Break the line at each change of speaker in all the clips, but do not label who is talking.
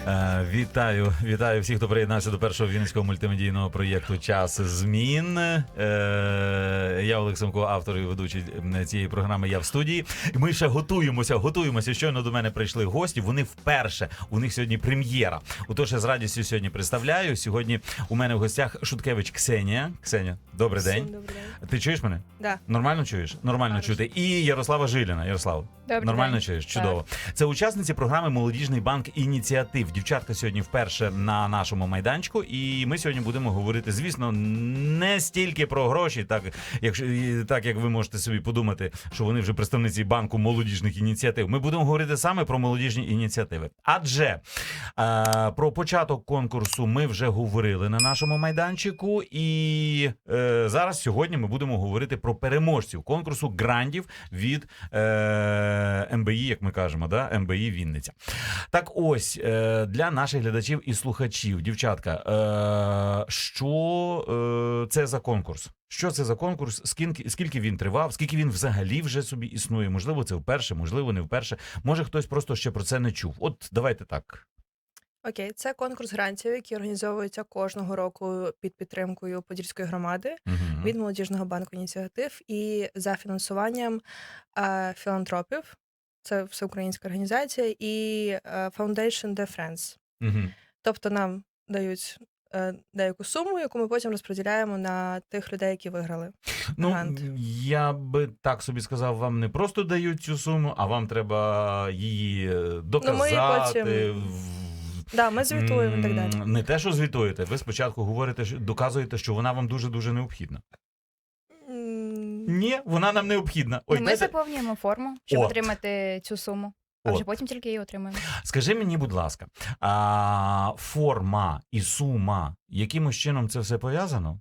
Вітаю всіх, хто приєднався до першого вінницького мультимедійного проєкту «Час змін». Я Олег Семко, автор і ведучий цієї програми «Я в студії». Ми ще готуємося. Щойно до мене прийшли гості. Вони вперше. У них сьогодні прем'єра. Отож, я з радістю сьогодні представляю. Сьогодні у мене в гостях Шуткевич Ксенія. Ксенія, добрий день.
Добрий день.
Ти чуєш мене?
Да.
Нормально чуєш? Нормально чути. І Ярослава Жиліна. Ярослав, нормально чуєш? Чудово. Це учасниці програми «Молодіжний банк ініціатив». Дівчатка сьогодні вперше на нашому майданчику, і ми сьогодні будемо говорити, звісно, не стільки про гроші, так як ви можете собі подумати, що вони вже представниці банку молодіжних ініціатив. Ми будемо говорити саме про молодіжні ініціативи. Адже про початок конкурсу ми вже говорили на нашому майданчику, і зараз сьогодні ми будемо говорити про переможців конкурсу грандів від МБІ, як ми кажемо, да? МБІ Вінниця. Так ось, для наших глядачів і слухачів, дівчатка, що це за конкурс? Що це за конкурс? Скільки він тривав? Скільки він взагалі вже собі існує? Можливо, це вперше, можливо, не вперше. Може, хтось просто ще про це не чув. От давайте так.
Окей, це конкурс грантів, який організовується кожного року під підтримкою Подільської громади від Молодіжного банку ініціатив і за фінансуванням філантропів. Це всеукраїнська організація, і Foundation de France. Тобто нам дають деяку суму, яку ми потім розподіляємо на тих людей, які виграли грант.
Я би так собі сказав, вам не просто дають цю суму, а вам треба її доказати.
Да, ми звітуємо і так далі.
Не те, що звітуєте, ви спочатку говорите, доказуєте, що вона вам дуже-дуже необхідна. Ні, вона нам необхідна.
Ой, ми заповнюємо форму, щоб отримати цю суму, а вже потім тільки її отримаємо.
Скажи мені, будь ласка, форма і сума, якимось чином це все пов'язано?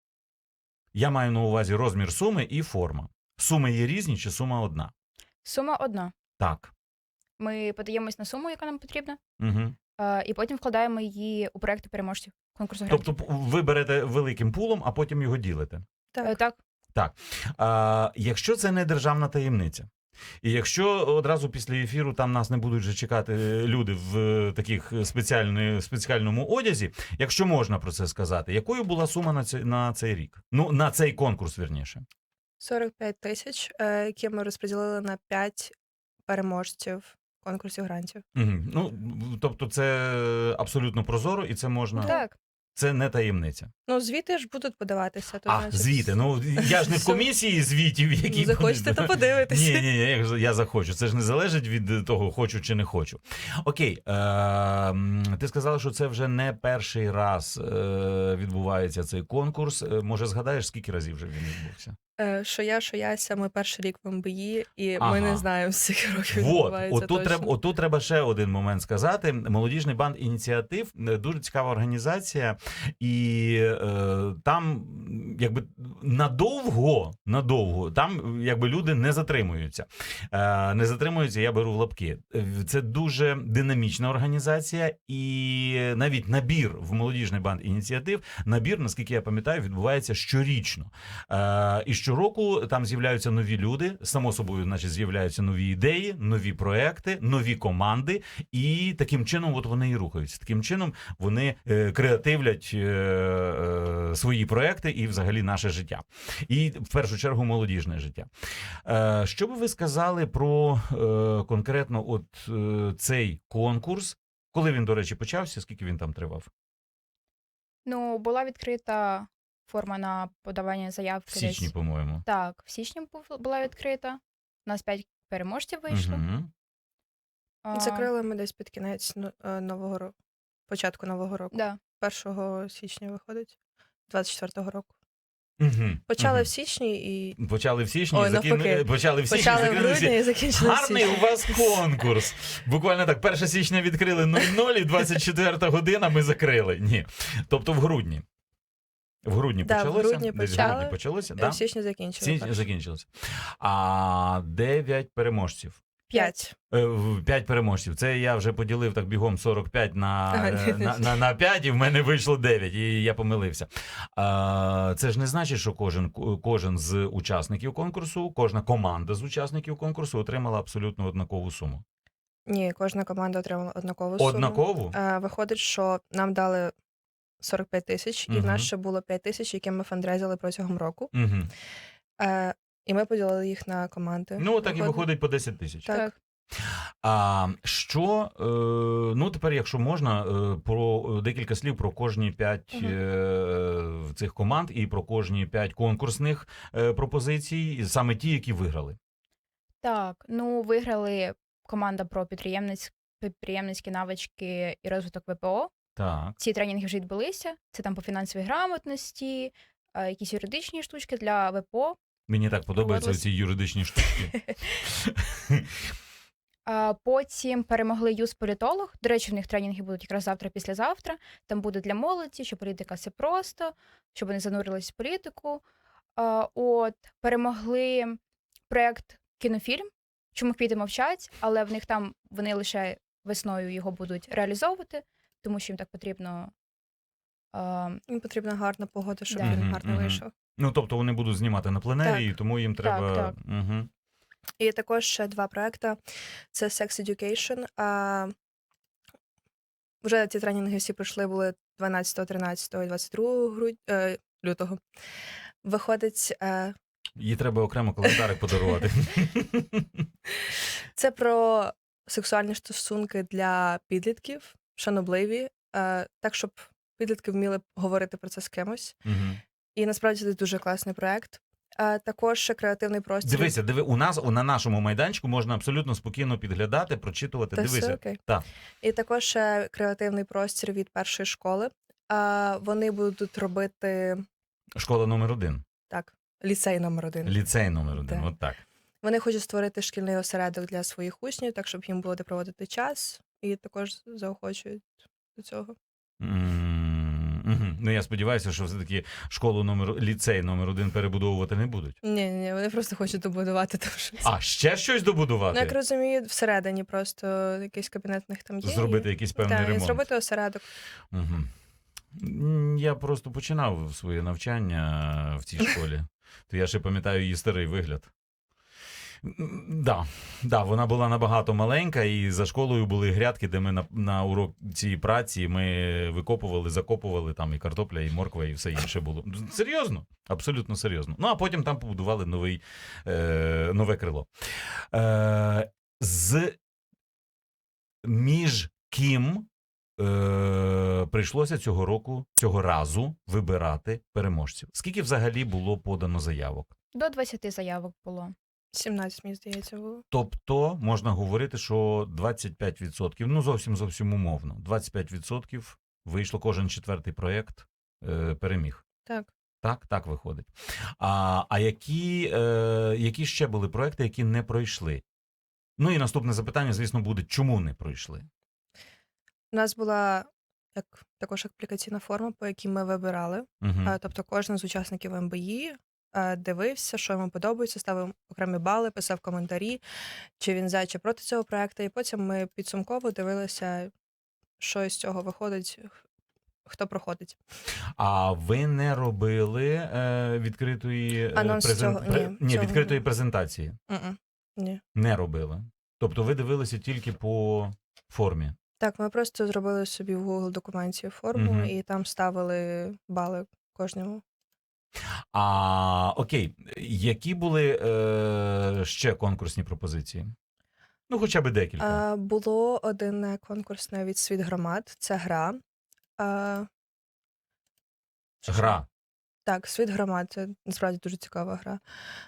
Я маю на увазі розмір суми і форма. Суми є різні чи сума одна?
Сума одна.
Так.
Ми подаємось на суму, яка нам потрібна,
Угу.
і потім вкладаємо її у проекти переможців конкурсу грантів.
Тобто ви берете великим пулом, а потім його ділите?
Так.
Так. Якщо це не державна таємниця, і якщо одразу після ефіру там нас не будуть вже чекати люди в таких спеціальному одязі, якщо можна про це сказати, якою була сума на цей рік? Ну, на цей конкурс, вірніше.
45 тисяч, які ми розподілили на 5 переможців конкурсів грантів.
Ну, тобто це абсолютно прозоро і це можна...
Так.
Це не таємниця.
Ну, звіти ж будуть подаватися. То, значить...
звіти. Ну, я ж не в комісії звітів, які...
Захочете, то подивитися.
Ні, я захочу. Це ж не залежить від того, хочу чи не хочу. Окей, ти сказала, що це вже не перший раз відбувається цей конкурс. Може, згадаєш, скільки разів вже він відбувся?
Що Яся, ми перший рік в МБІ, і ми не знаємо, скільки років відбувається точно.
Отут треба ще один момент сказати. Молодіжний банк ініціатив – дуже цікава організація, і там якби надовго там якби люди не затримуються. Не затримуються, я беру в лапки. Це дуже динамічна організація, і навіть набір в Молодіжний банк ініціатив, наскільки я пам'ятаю, відбувається щорічно. І щороку там з'являються нові люди, само собою, значить, з'являються нові ідеї, нові проекти, нові команди, і таким чином от вони і рухаються. Таким чином вони креативлять свої проекти і взагалі наше життя. І в першу чергу молодіжне життя. Що би ви сказали про конкретно от цей конкурс? Коли він, до речі, почався? Скільки він там тривав?
Ну, була відкрита форма на подавання заявки.
В січні, по-моєму.
Так, в січні була відкрита. У нас 5 переможців вийшло.
Закрили ми десь під кінець нового року. Початку нового року.
Да.
1 січня виходить. 24-го року. Почали в січні і...
Почали в січні,
почали в грудні і закінчили в січні.
Гарний у вас конкурс. Буквально так, 1 січня відкрили 00 і 24 година ми закрили. Ні. Тобто в грудні. В грудні почалося?
В грудні
почалося,
в січні
закінчилося. А 9 переможців.
5.
5 переможців. Це я вже поділив так бігом 45 на 5, і в мене вийшло 9, і я помилився. Це ж не значить, що кожен з учасників конкурсу, кожна команда з учасників конкурсу отримала абсолютно однакову суму.
Ні, кожна команда отримала однакову суму.
Однакову?
Виходить, що нам дали 45 тисяч, і в нас ще було 5 тисяч, які ми фандрейзили протягом року. І ми поділили їх на команди.
Ну, так і виходить по 10 тисяч.
Так.
А що, ну тепер, якщо можна, про декілька слів про кожні 5 цих команд і про кожні 5 конкурсних пропозицій, саме ті, які виграли.
Так, ну виграли команда про підприємницькі навички і розвиток ВПО.
Так.
Ці тренінги вже відбулися. Це там по фінансовій грамотності, якісь юридичні штучки для ВПО.
Мені так подобаються ці юридичні штуки.
Потім перемогли юзполітолог. До речі, в них тренінги будуть якраз завтра-післязавтра. Там буде для молоді, що політика – це просто, щоб вони занурились в політику. Перемогли проєкт «Кінофільм», «Чому квіти мовчать», але в них там вони лише весною його будуть реалізовувати, тому що їм так потрібно.
Їм потрібна гарна погода, щоб він гарно вийшов.
Ну, тобто вони будуть знімати на пленері, і тому їм треба...
Так.
І також ще 2 проекти. Це Sex Education. Вже ці тренінги всі пройшли, були 12, 13 і 22 лютого. Виходить...
Їй треба окремо календарик подарувати.
Це про сексуальні стосунки для підлітків, шанобливі, так, щоб підлітки вміли говорити про це з кимось. І насправді це дуже класний проект. Також ще креативний простір.
Дивися, у нас на нашому майданчику можна абсолютно спокійно підглядати, прочитувати. Дивися.
Все окей.
Так.
І також ще креативний простір від першої школи. Вони будуть робити...
Школа номер 1.
Так, ліцей номер 1.
Ліцей номер 1, от так.
Вони хочуть створити шкільний осередок для своїх учнів, так, щоб їм було де проводити час. І також заохочують до цього.
Ну, я сподіваюся, що все-таки ліцей номер 1 перебудовувати не будуть.
Ні, вони просто хочуть добудувати там щось.
А, ще щось добудувати?
Ну, як розумію, всередині просто якийсь кабінет в них там є.
Зробити якийсь певний ремонт.
Так, зробити осередок.
Я просто починав своє навчання в цій школі. То я ще пам'ятаю її старий вигляд. Да, вона була набагато маленька, і за школою були грядки, де ми на уроці праці ми викопували, закопували, там і картопля, і морква, і все інше було. Серйозно, абсолютно серйозно. Ну, а потім там побудували нове крило. Між ким прийшлося цього разу вибирати переможців? Скільки взагалі було подано заявок?
До 20 заявок було.
17, мені здається, було.
Тобто, можна говорити, що 25%, ну зовсім умовно, 25% вийшло, кожен 4-й проєкт переміг.
Так.
Так виходить. А які ще були проєкти, які не пройшли? Ну і наступне запитання, звісно, буде, чому не пройшли?
У нас була також аплікаційна форма, по якій ми вибирали. Тобто кожен з учасників МБІ дивився, що йому подобається, ставив окремі бали, писав коментарі, чи він за, чи проти цього проекту. І потім ми підсумково дивилися, що з цього виходить, хто проходить. А
ви не робили відкритої відкритої презентації?
Ні.
Не робили. Тобто ви дивилися тільки по формі? Так,
ми просто зробили собі в Google документі форму і там ставили бали кожному.
Окей, які були ще конкурсні пропозиції? Ну, хоча б декілька.
Було один конкурсне від «Світ громад», це гра.
Гра?
Так, «Світ громад», це насправді дуже цікава гра.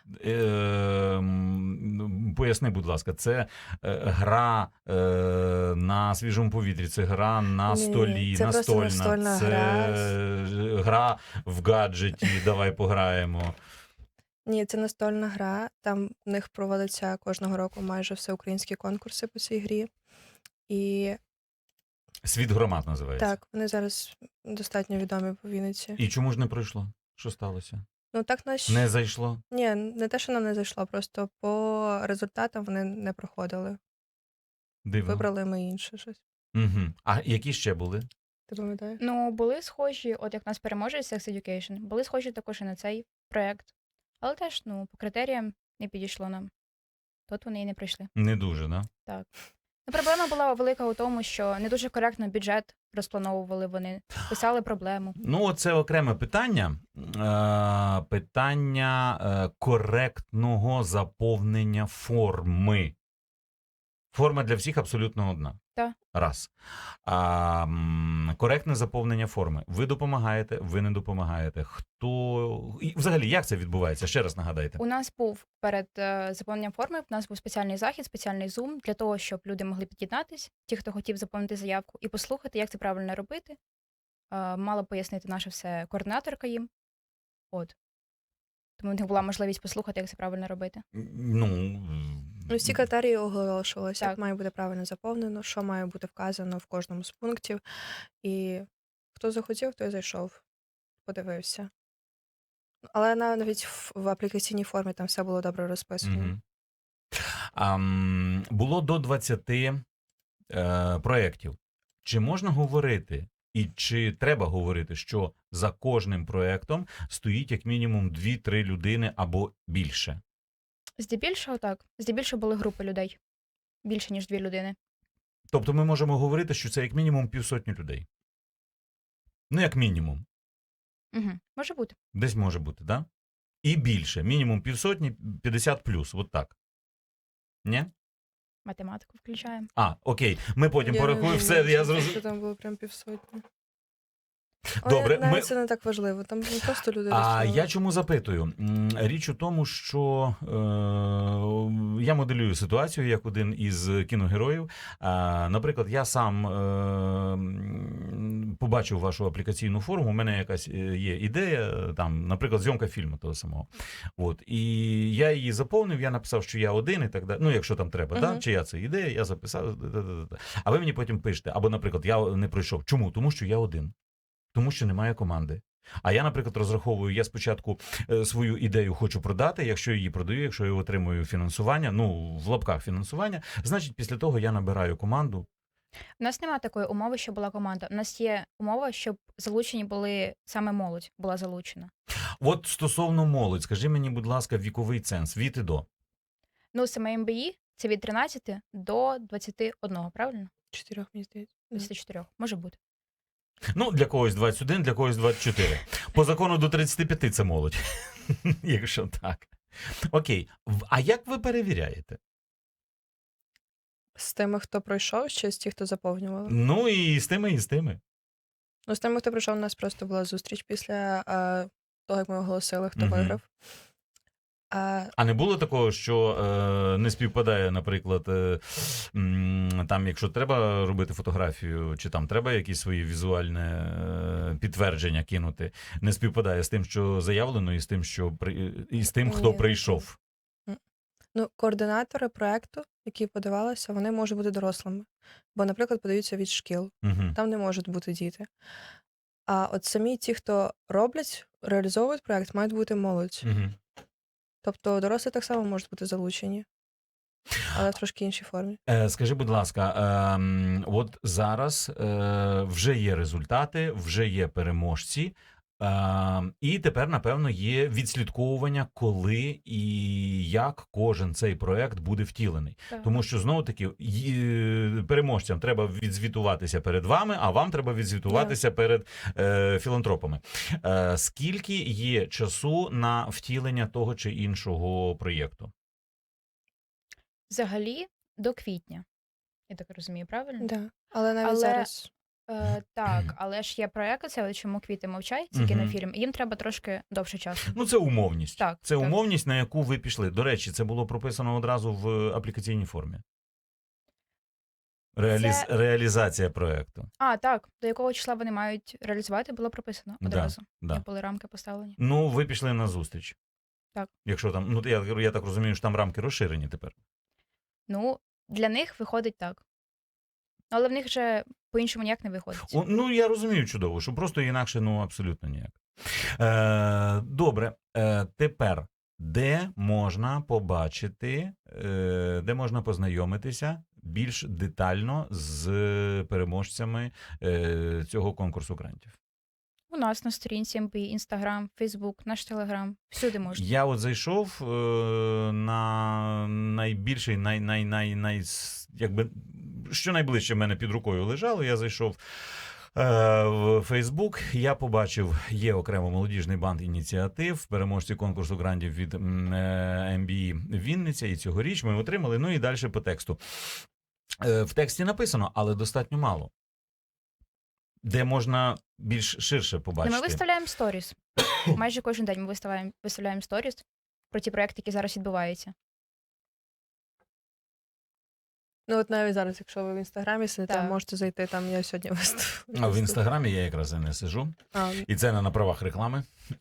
Поясни, будь ласка, це гра на свіжому повітрі, це гра на столі,
це настольна,
це гра в гаджеті, давай пограємо.
Ні, це настольна гра, там в них проводяться кожного року майже всеукраїнські конкурси по цій грі. І...
«Світ громад» називається?
Так, вони зараз достатньо відомі по Вінниці.
І чому ж не пройшло? Що сталося?
Ну, так
Не зайшло?
Ні, не те, що нам не зайшло, просто по результатам вони не проходили.
Дивно.
Вибрали ми інше щось.
А які ще були?
Ти пам'ятаєш?
Ну, були схожі, от як нас переможець Sex Education, були схожі також і на цей проєкт. Але теж, по критеріям не підійшло нам. Тут вони і не прийшли.
Не дуже, да?
Так. Проблема була велика у тому, що не дуже коректно бюджет розплановували вони, писали проблему.
Ну, це окреме питання. Питання коректного заповнення форми. Форма для всіх абсолютно одна.
Так.
Раз. Коректне заповнення форми. Ви допомагаєте, ви не допомагаєте. Хто... І взагалі, як це відбувається? Ще раз нагадайте.
У нас був перед заповненням форми, у нас був спеціальний захід, спеціальний зум для того, щоб люди могли під'єднатись, ті, хто хотів заповнити заявку, і послухати, як це правильно робити. Мала пояснити наша все координаторка їм. От. Тому в них була можливість послухати, як це правильно робити.
Ну,
Всі критерії оголошувалися,
Так.
як має бути правильно заповнено, що має бути вказано в кожному з пунктів. І хто захотів, той зайшов, подивився. Але навіть в аплікаційній формі там все було добре розписано.
Було до 20 проєктів. Чи можна говорити, і чи треба говорити, що за кожним проєктом стоїть як мінімум 2-3 людини або більше?
Здебільшого так. Здебільшого були групи людей. Більше, ніж 2 людини.
Тобто ми можемо говорити, що це як мінімум 50 людей? Ну, як мінімум.
Угу. Може бути.
Десь може бути, так? Да? І більше. Мінімум 50, 50 плюс. От так. Ні?
Математику включаємо.
Окей. Ми потім порахуємо. Все, я зрозумів.
Що там було прям 500.
Добре,
навіть це не так важливо, там просто люди розчули.
Я чому запитую? Річ у тому, що я моделюю ситуацію як один із кіногероїв. Наприклад, я сам побачив вашу аплікаційну форму, у мене якась є ідея, там, наприклад, зйомка фільму того самого. От, і я її заповнив, я написав, що я один і так далі. Ну, якщо там треба, да? Чия це ідея, я записав. А ви мені потім пишете. Або, наприклад, я не пройшов. Чому? Тому що я один. Тому що немає команди. А я, наприклад, розраховую, я спочатку свою ідею хочу продати, якщо її продаю, якщо я отримую фінансування, ну, в лапках фінансування, значить, після того я набираю команду.
У нас немає такої умови, що була команда. У нас є умова, щоб залучені були, саме молодь була залучена.
От стосовно молодь, скажи мені, будь ласка, віковий ценз, від і до.
Ну, саме МБІ – це від 13 до 21, правильно?
4, мені здається.
24, може бути.
Ну, для когось 21, для когось 24. По закону до 35 це молодь, якщо так. Окей, а як ви перевіряєте?
З тими, хто пройшов, чи з тих, хто заповнював?
Ну, і з тими, і з тими.
Ну, з тими, хто прийшов, у нас просто була зустріч після того, як ми оголосили, хто виграв.
А не було такого, що не співпадає, наприклад, там, якщо треба робити фотографію, чи там треба якісь свої візуальне підтвердження кинути, не співпадає з тим, що заявлено, і з тим, і з тим, хто прийшов?
Ну, координатори проекту, які подавалися, вони можуть бути дорослими. Бо, наприклад, подаються від шкіл. Там не можуть бути діти. А от самі ті, хто роблять, реалізовують проект, мають бути молодь. Тобто дорослі так само можуть бути залучені, але в трошки іншій формі.
Скажи, будь ласка, от зараз вже є результати, вже є переможці, і тепер, напевно, є відслідковування, коли і як кожен цей проект буде втілений.
Так.
Тому що, знову-таки, переможцям треба відзвітуватися перед вами, а вам треба відзвітуватися перед філантропами. Скільки є часу на втілення того чи іншого проєкту?
Взагалі, до квітня. Я так розумію, правильно?
Да. Але навіть зараз...
Так, але ж є проєкти, це чому квіти мовчать, це кінофільм, і їм треба трошки довше часу.
Ну, це умовність.
Так,
це умовність, на яку ви пішли. До речі, це було прописано одразу в аплікаційній формі. Реалізація проєкту.
Так. До якого числа вони мають реалізувати, було прописано одразу. Як були рамки поставлені.
Ну, ви пішли на зустріч.
Так.
Якщо там, ну, я так розумію, що там рамки розширені тепер.
Ну, для них виходить так. Але в них вже по-іншому ніяк не виходить.
Ну, я розумію чудово, що просто інакше, ну, абсолютно ніяк. Добре, тепер, де можна побачити, де можна познайомитися більш детально з переможцями цього конкурсу грантів?
У нас на сторінці МБІ, Інстаграм, Фейсбук, наш Телеграм. Всюди можна.
Я от зайшов на найбільший, якби, що найближче в мене під рукою лежало, я зайшов в Фейсбук, я побачив, є окремо молодіжний банк ініціатив, переможці конкурсу грантів від МБІ Вінниця, і цьогоріч ми отримали, ну і далі по тексту. В тексті написано, але достатньо мало. Де можна більш ширше побачити.
Ми виставляємо сторіс. Майже кожен день ми виставляємо сторіс про ті проекти, які зараз відбуваються.
Ну от навіть зараз, якщо ви в Інстаграмі сидите,
Так.
можете зайти, там я сьогодні виставила.
А в Інстаграмі я якраз і не сиджу. І це не на правах реклами.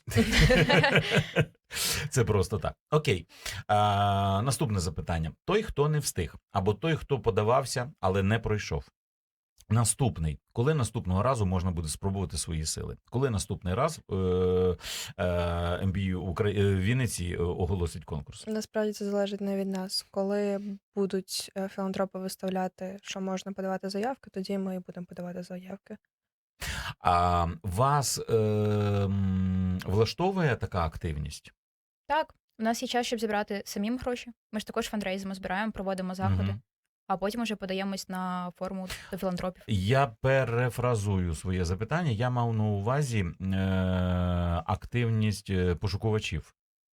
Це просто так. Окей. Наступне запитання. Той, хто не встиг, або той, хто подавався, але не пройшов. Наступний. Коли наступного разу можна буде спробувати свої сили? Коли наступний раз МБІ Вінниці оголосить конкурс?
Насправді це залежить не від нас. Коли будуть філантропи виставляти, що можна подавати заявки, тоді ми і будемо подавати заявки.
А вас влаштовує така активність?
Так, у нас є час, щоб зібрати самим гроші. Ми ж також фандрейзимо, збираємо, проводимо заходи. А потім вже подаємось на форму до філантропів.
Я перефразую своє запитання. Я мав на увазі активність пошукувачів.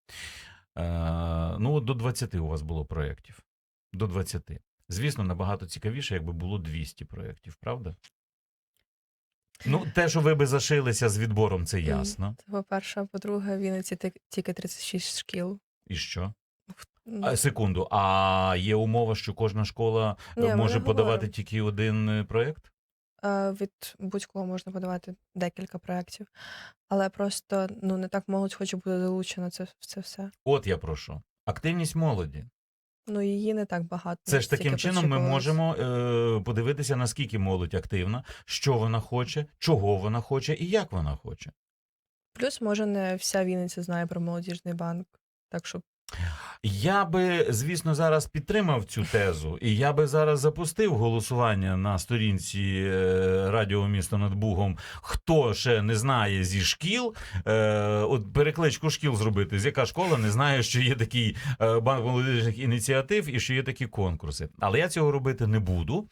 Ну, до 20 у вас було проєктів. До 20. Звісно, набагато цікавіше, якби було 200 проєктів, правда? Ну, те, що ви би зашилися з відбором, це ясно.
Це по-перше, а по-друге, в Вінниці тільки 36 шкіл.
І що? Секунду, а є умова, що кожна школа може подавати тільки один проєкт?
Від будь-кого можна подавати декілька проєктів. Але просто не так молодь хоче бути долучена це все.
От я прошу. Активність молоді.
Її не так багато.
Це ж таким чином ми можемо подивитися, наскільки молодь активна, що вона хоче, чого вона хоче і як вона хоче.
Плюс, може, не вся Вінниця знає про молодіжний банк. Так що
я би, звісно, зараз підтримав цю тезу, і я би зараз запустив голосування на сторінці Радіо Місто над Бугом. Хто ще не знає зі шкіл, от перекличку шкіл зробити, з яка школа не знає, що є такий банк молодіжних ініціатив і що є такі конкурси. Але я цього робити не буду.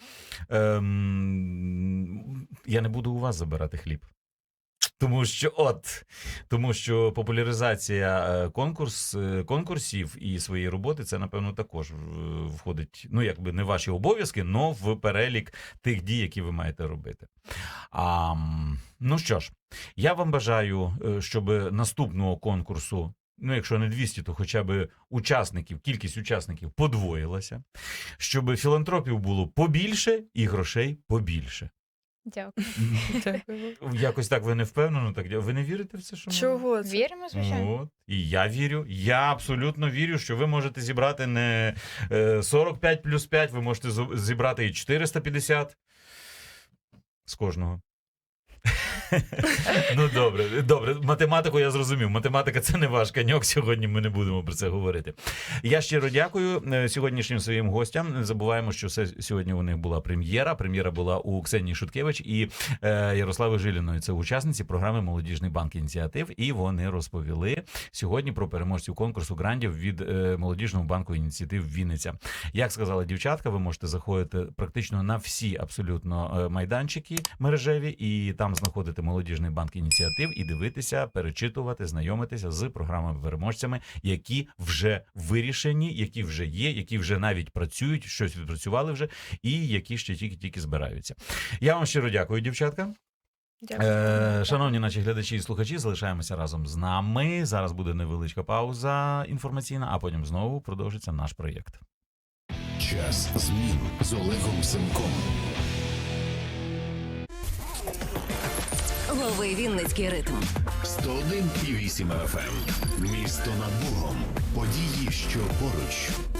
Я не буду у вас забирати хліб. Тому що популяризація конкурсів і своєї роботи, це, напевно, також входить, якби не ваші обов'язки, но в перелік тих дій, які ви маєте робити. Ну що ж, я вам бажаю, щоб наступного конкурсу, якщо не 200, то хоча б кількість учасників подвоїлася, щоб філантропів було побільше і грошей побільше.
Дякую.
Якось так ви не впевнено? Ви не вірите в це? Що
чого це?
Віримо, звичайно.
І я вірю. Я абсолютно вірю, що ви можете зібрати не 45 плюс 5, ви можете зібрати і 450 з кожного. Ну, добре. Математику я зрозумів. Математика – це не ваш коньок. Сьогодні ми не будемо про це говорити. Я щиро дякую сьогоднішнім своїм гостям. Не забуваємо, що сьогодні у них була прем'єра. Прем'єра була у Ксенії Шуткевич і Ярослави Жиліної. Це учасниці програми «Молодіжний банк ініціатив». І вони розповіли сьогодні про переможців конкурсу грантів від Молодіжного банку ініціатив Вінниця. Як сказала дівчатка, ви можете заходити практично на всі абсолютно майданчики мережеві і там знаходити Молодіжний банк ініціатив і дивитися, перечитувати, знайомитися з програмами-переможцями, які вже вирішені, які вже є, які вже навіть працюють, щось відпрацювали вже, і які ще тільки збираються. Я вам щиро дякую, дівчатка.
Дякую.
Шановні наші глядачі і слухачі, залишаємося разом з нами. Зараз буде невеличка пауза інформаційна, а потім знову продовжиться наш проєкт.
Час змін з Олегом Семком.
Лови Вінницький ритм.
101,8 FM. Місто над Бугом. Події, що поруч.